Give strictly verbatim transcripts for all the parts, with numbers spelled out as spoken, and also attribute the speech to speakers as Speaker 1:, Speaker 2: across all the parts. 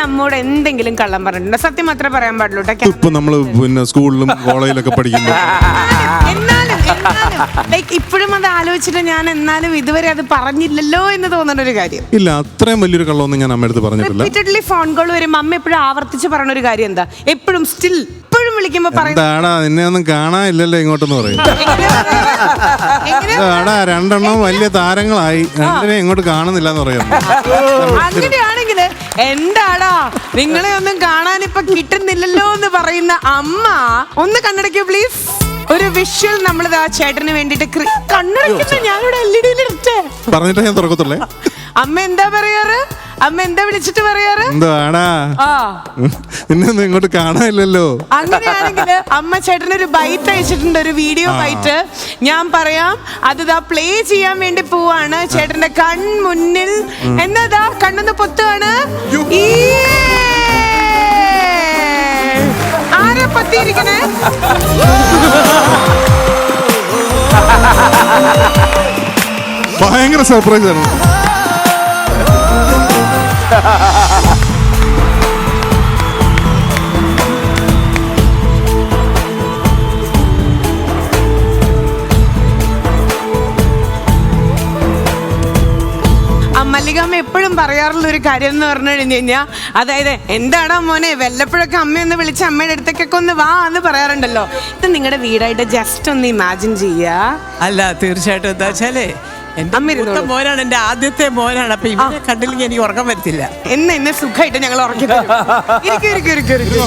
Speaker 1: അമ്മോട് എന്തെങ്കിലും കള്ളം പറഞ്ഞിട്ടുണ്ടോ? സത്യം മാത്രമേ പറയാൻ പാടുള്ളൂ.
Speaker 2: ഇപ്പൊ നമ്മള് പിന്നെ സ്കൂളിലും കോളേജിലൊക്കെ പഠിക്കുമ്പോൾ
Speaker 1: എന്നാലും ലൈക്ക് ഇപ്പോഴും അത് ആലോചിച്ചിട്ട് ഞാൻ എന്നാലും ഇതുവരെ അത് പറഞ്ഞില്ലല്ലോ എന്ന് തോന്നുന്ന ഒരു കാര്യം
Speaker 2: ഇല്ല. അത്രയും വലിയൊരു കള്ളമൊന്നും ഞാൻ അമ്മ അടുത്ത് പറഞ്ഞിട്ടില്ല.
Speaker 1: റിപ്പീറ്റഡ്ലി ഫോൺ കോൾ വരുമ്പോ അമ്മ എപ്പോഴും ആവർത്തിച്ച് പറഞ്ഞ ഒരു കാര്യം എന്താ? എപ്പോഴും സ്റ്റിൽ എപ്പോഴും വിളിക്കുമ്പോ
Speaker 2: പറയുന്നതാടാ നിന്നെ ഒന്നും കാണാനില്ലല്ലോ ഇങ്ങോട്ടെന്ന് പറയും. ആടാ രണ്ടെണ്ണം വലിയ താരങ്ങളായി, രണ്ടിനെ ഇങ്ങോട്ട് കാണുന്നില്ല എന്ന് പറയാം.
Speaker 1: അങ്ങനെയാണെങ്കിൽ എന്താടാ നിങ്ങളെ ഒന്നും കാണാൻ ഇപ്പൊ കിട്ടുന്നില്ലല്ലോ എന്ന് പറയുന്ന അമ്മ ഒന്ന് കണ്ണടയ്ക്കൂ പ്ലീസ്. ഒരു വിഷ്വൽ നമ്മളിത് ആ ചേട്ടന് വേണ്ടിട്ട് കണ്ണടയ്ക്കുന്ന ഞാനിവിടെ എൽ ഇ ഡിയിൽ ഇട്ടേ
Speaker 2: പറഞ്ഞിട്ട് ഞാൻ തുറക്കത്തുള്ളേ.
Speaker 1: അമ്മ എന്താ പറയാറ്? അമ്മ എന്താ വിളിച്ചിട്ട് പറയാറ്?
Speaker 2: എന്താടാ നിന്നെ ഒന്നും ഇങ്ങോട്ട് കാണാനില്ലല്ലോ.
Speaker 1: അങ്ങനെയാണെങ്കിൽ അമ്മ ചേട്ടനൊരു ബൈറ്റ് അയച്ചിട്ടുണ്ട്, ഒരു വീഡിയോ ബൈറ്റ്. ഞാൻ പറയാം, അത് ദാ പ്ലേ ചെയ്യാൻ വേണ്ടി പോവാണ്. ചേട്ടന്റെ കൺമുന്നിൽ എന്നതാ കണ്ണൊന്ന് പൊത്തുവാണ്. ആരാ പത്തിയിരിക്കണേ?
Speaker 2: ഭയങ്കര സർപ്രൈസ് ആണ്.
Speaker 1: മല്ലികാമ്മ എപ്പോഴും പറയാറുള്ള ഒരു കാര്യം എന്ന് പറഞ്ഞു കഴിഞ്ഞു കഴിഞ്ഞാൽ, അതായത് എന്താടാ മോനെ വല്ലപ്പോഴൊക്കെ അമ്മയൊന്ന് വിളിച്ച് അമ്മയുടെ അടുത്തേക്കൊക്കെ ഒന്ന് വാ എന്ന് പറയാറുണ്ടല്ലോ. ഇത് നിങ്ങളുടെ വീടായിട്ട് ജസ്റ്റ് ഒന്ന് ഇമാജിൻ ചെയ്യാ.
Speaker 3: അല്ല തീർച്ചയായിട്ടും എന്താ വെച്ചാലേ എന്റെ മോനാണ്, എന്റെ ആദ്യത്തെ മോനാണ്. അപ്പൊ ഇവനെ കണ്ടില്ലെങ്കിൽ എനിക്ക് ഉറക്കം വരത്തില്ല.
Speaker 1: എന്നെ എന്നെ സുഖമായിട്ട് ഞങ്ങൾ ഉറക്കി തരും. ഇരിക്കും ഇരിക്കും ഇരിക്കും ഇരിക്കും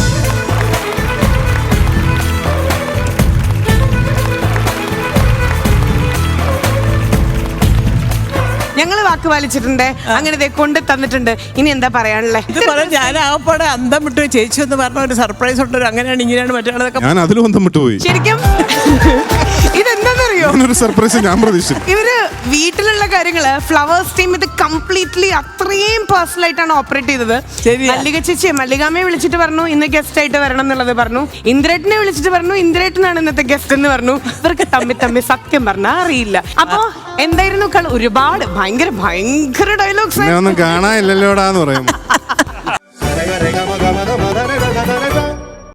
Speaker 1: ഞങ്ങള് വാക്ക് പാലിച്ചിട്ടുണ്ട്, അങ്ങനെ കൊണ്ട് തന്നിട്ടുണ്ട്. ഇനി എന്താ പറയാനുള്ളത്?
Speaker 3: ഇത് പറയാൻ ഞാൻ ആകപ്പാടെ അന്തം വിട്ടു. ചേച്ചി എന്ന് പറഞ്ഞ ഒരു സർപ്രൈസ് ഉണ്ട്, അങ്ങനെയാണ് ഇങ്ങനെയാണ് മറ്റുള്ളതൊക്കെ.
Speaker 2: ഞാൻ അതിലും അന്തം വിട്ടുപോയി.
Speaker 1: ശരിക്കും ഇതെന്താന്നറിയോ,
Speaker 2: ഒരു സർപ്രൈസ് ഞാൻ പ്രതീക്ഷിച്ചു.
Speaker 1: ഇവര് വീട്ടിലുള്ള കാര്യങ്ങള് ഫ്ലവേഴ്സ് ടീം ഇത് കംപ്ലീറ്റ്ലി അത്രയും പേഴ്സണൽ ആയിട്ടാണ് ഓപ്പറേറ്റ് ചെയ്തത്. മല്ലിക ചേച്ചി മല്ലികാമ്മയെ വിളിച്ചിട്ട് പറഞ്ഞു ഇന്ന് ഗസ്റ്റ് ആയിട്ട് വരണം എന്നുള്ളത് പറഞ്ഞു. ഇന്ദ്രേട്ടനെ വിളിച്ചിട്ട് പറഞ്ഞു ഇന്ദ്രേട്ടനാണ് ഇന്നത്തെ ഗസ്റ്റ് എന്ന് പറഞ്ഞു. ഇവർക്ക് തമ്മി തമ്മി സത്യം പറഞ്ഞാൽ അറിയില്ല. അപ്പൊ എന്തായിരുന്നു കള? ഒരുപാട് ഭയങ്കര ഭയങ്കര ഡയലോഗ്സ്
Speaker 2: ഒന്നും കാണാനില്ലല്ലോടാന്ന് പറയും.